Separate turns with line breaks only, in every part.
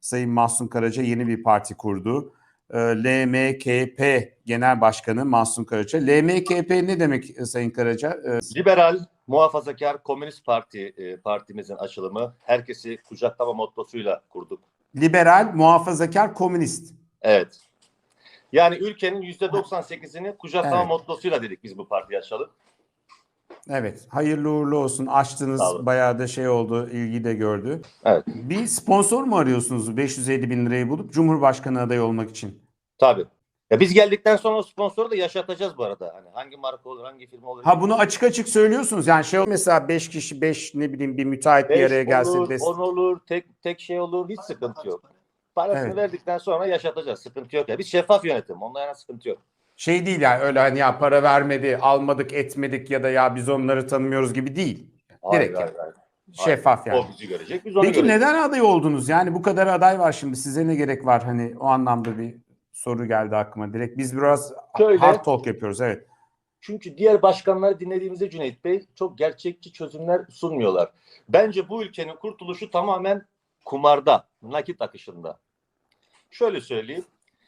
Sayın Mahsun Karaca yeni bir parti kurdu. LMKP Genel Başkanı Mahsun Karaca. LMKP ne demek Sayın Karaca?
Liberal, Muhafazakar Komünist Parti partimizin açılımı. Herkesi kucaklama mottosuyla kurduk.
Liberal, muhafazakar, komünist.
Evet. Yani ülkenin %98'ini kucaklama
Evet.
mottosuyla dedik biz bu partiyi açalım.
Evet. Hayırlı uğurlu olsun. Açtınız. Bayağı da şey oldu. İlgi de gördü.
Evet.
Bir sponsor mu arıyorsunuz 550 bin lirayı bulup Cumhurbaşkanı adayı olmak için?
Tabii. Ya biz geldikten sonra o sponsoru da yaşatacağız bu arada. Hani hangi marka olur, hangi firma olur.
Ha, bunu açık açık söylüyorsunuz. Yani şey mesela 5 kişi, 5 ne bileyim bir müteahhit bir araya gelse.
10 olur, tek şey olur. Hiç sıkıntı yok. Parasını verdikten sonra yaşatacağız. Sıkıntı yok. Ya biz şeffaf yönetim. Ondan yana sıkıntı yok.
Şey değil yani öyle hani ya para vermedi, almadık, etmedik ya da ya biz onları tanımıyoruz gibi değil. Direkt
Hayır.
şeffaf yani.
O bizi görecek, biz onu
Peki
göreceğiz.
neden aday oldunuz? Yani bu kadar aday var şimdi. Size ne gerek var? Hani o anlamda bir soru geldi aklıma direkt. Biz biraz hard talk yapıyoruz. Evet.
Çünkü diğer başkanları dinlediğimizde Cüneyt Bey çok gerçekçi çözümler sunmuyorlar. Bence bu ülkenin kurtuluşu tamamen kumarda, nakit akışında. Şöyle söyleyeyim.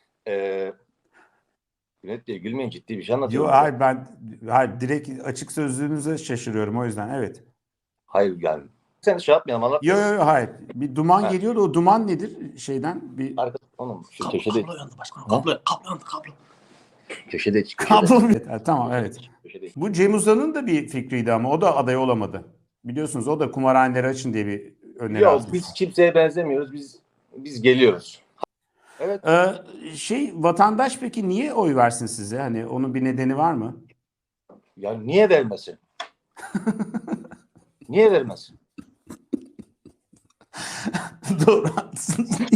Cüneyt Bey gülmeyin, ciddi bir şey anlatıyorum.
Yok hayır, direkt açık sözlüğünüze şaşırıyorum o yüzden. Evet.
Hayır yani. Sen şey yapmayalım, anlatmayalım.
Yok hayır. Bir duman geliyor da o duman nedir şeyden? Bir
Onun şu köşede.
Kablo yandı başkanım. Kablo yandı.
Köşede.
kablo mu? Tamam evet.
Köşede.
Bu Cem Uzan'ın da bir fikriydi ama o da aday olamadı. Biliyorsunuz o da kumarhaneleri açın diye bir öneri
Yok,
atmış.
biz kimseye benzemiyoruz. Biz geliyoruz. Evet.
Vatandaş peki niye oy versin size? Hani onun bir nedeni var mı?
Ya niye vermesin? Niye vermesin?
Doğru haklısınız.